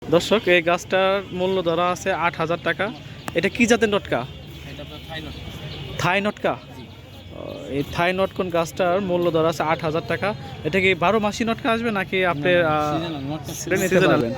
দর্শক, এই গাছটার মূল্য ধরা আছে ৮,০০০ টাকা। এটা কি জাতের নটকা? এটা আপনার থাই নটকা। জি। এই থাই নটকন গাছটার মূল্য ধরা আছে ৮,০০০ টাকা। এটা কি ১২ মাসি নটকা আসবে নাকি আপনি নিতে পারবেন?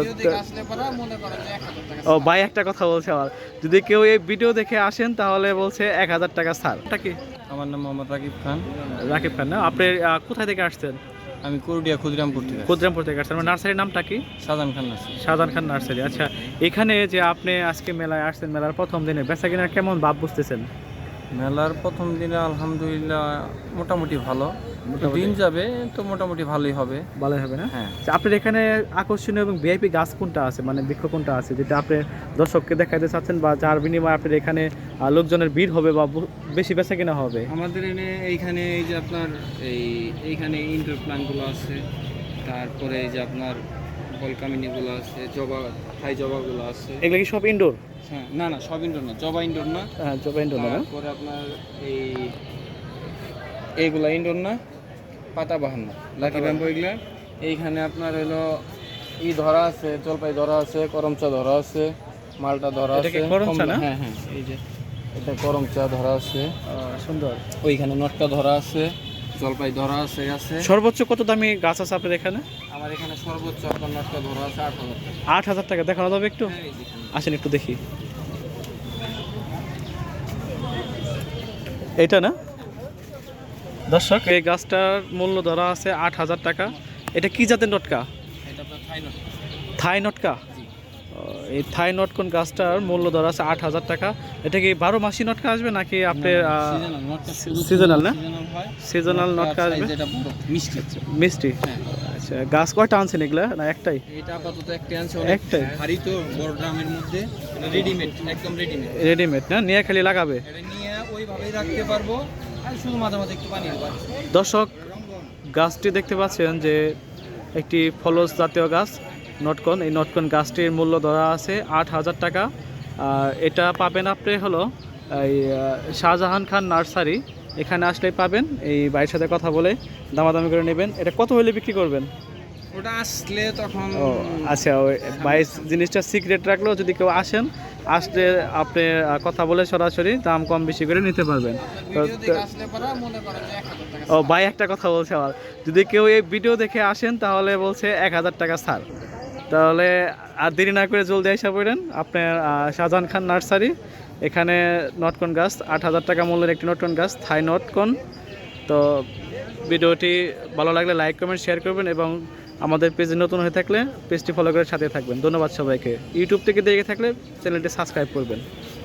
ও ভাই, একটা কথা বলছে আমার, যদি কেউ এই ভিডিও দেখে আসেন তাহলে বলছে ১,০০০ টাকা ছাড়। এটা কি? আমার নাম মোহাম্মদ রাকিব খান। রাকিব খান না? আপনি কোথায় থেকে আসছেন? আমি করডিয়া ক্ষুদিরামপুর থেকে। ক্ষুদিরামপুর থেকে আসছেন। নার্সারির নামটা কি? শাহজাহান খান নার্সারি। শাহজাহান খান নার্সারি। আচ্ছা, এখানে যে আপনি আজকে মেলায় আসছেন, মেলার প্রথম দিনে বেচা কেনার কেমন ভাব বুঝতেছেন? মেলার প্রথম দিনে আলহামদুলিল্লাহ মোটামুটি ভালো। দিন যাবে তো মোটামুটি ভালোই হবে। ভালোই হবে না? হ্যাঁ। আচ্ছা, আপনার এখানে আকর্ষণীয় এবং ভিআইপি গাছ কোনটা আছে, মানে বৃক্ষ কোনটা আছে যেটা আপনি দর্শককে দেখাইতে চাচ্ছেন, বা যার বিনিময়ে আপনার এখানে লোকজনের ভিড় হবে বা বেশি বেচা কেনা হবে? আমাদের এইখানে এই যে আপনার এইখানে ইনডোর প্ল্যান্টগুলো আছে, তারপরে এই যে আপনার বলকামিনিগুলো আছে, থাই জবাগুলো আছে। এগুলো কি সব ইনডোর? হ্যাঁ, না না, সব ইনডোর না, জবা ইনডোর না। হ্যাঁ, সব ইনডোর না? তারপরে আপনার এইগুলা ইনডোর না, পাতাবাহার না, লাকি ব্যাম্বো এগুলা। এইখানে আপনার হলো ধরা আছে, জলপাই ধরা আছে, করমচা ধরা আছে, মালটা ধরা এটা আছে। কি করমচা না? হ্যাঁ হ্যাঁ, এই যে এটা করমচা ধরা আছে। সুন্দর। ওইখানে নটকা ধরা আছে, জলপাই ধরা আছে। সর্বোচ্চ কত দামি গাছ আছে আপনার এখানে? আমার এখানে সর্বোচ্চ আপনার নটকা ধরা আছে 8,000 টাকা। ৮,০০০ টাকা। দেখানো যাবে একটু? হ্যাঁ, এই যে। আসেন একটু দেখি। এটা না? দর্শক, এই গাছটার মূল্য ধরা আছে ৮,০০০ টাকা। এটা কি জাতের নটকা? এটা আপনার থাই নটকা। থাই নটকা। জি। এই থাই নটকন গাছটার মূল্য ধরা আছে ৮,০০০ টাকা। এটা কি 12 মাসি নটকা আসবে নাকি আপনার সিজনাল না? সিজনাল নটকা আসবে। যেটা বড় মিষ্টি। মিষ্টি। হ্যাঁ। আচ্ছা, গাছ কয়টা আনছেন এগুলা, না একটাই? এটা আপাতত একটা আনছে, একটাই? ভারী তো, বড় ড্রামের মধ্যে। রেডিমেড, একদম রেডিমেড। রেডিমেড না? নিয়ে খালি লাগাবে? এটা নিয়ে ওইভাবেই রাখতে পারবো, আর শুধু মাঝে মাঝে একটু পানি দেবো। দর্শক, গাছটি দেখতে পাচ্ছেন যে একটি ফলস জাতীয় গাছ নটকন। এই নটকন গাছটির মূল্য ধরা আছে ৮,০০০ টাকা। আর এটা পাবেন আপনি হলো এই শাহজাহান খান নার্সারি। এখানে আসলেই পাবেন। এই ভাইয়ের সাথে কথা বলে দামাদামি করে নেবেন। এটা কত হলে বিক্রি করবেন? ওটা আসলে তখন। ও আচ্ছা, ওই ভাই জিনিসটা সিক্রেট রাখলেও যদি কেউ আসেন, আসলে আপনি কথা বলে সরাসরি দাম কম বেশি করে নিতে পারবেন। ও ভাই, একটা কথা বলছে আমার, যদি কেউ এই ভিডিও দেখে আসেন তাহলে বলছে ১,০০০ টাকা ছাড়। তাহলে আর দেরি না করে জলদি এসে পড়েন আপনার শাহজাহান খান নার্সারি। এখানে নটকন গাছ ৮,০০০ টাকা মূল্যের একটি নটকন গাছ, থাই নটকন। তো ভিডিওটি ভালো লাগলে লাইক কমেন্ট শেয়ার করবেন, এবং আমাদের পেজে নতুন হয়ে থাকলে পেজটি ফলো করে সাথে থাকবেন। ধন্যবাদ সবাইকে। ইউটিউব থেকে দেখে থাকলে চ্যানেলটি সাবস্ক্রাইব করবেন।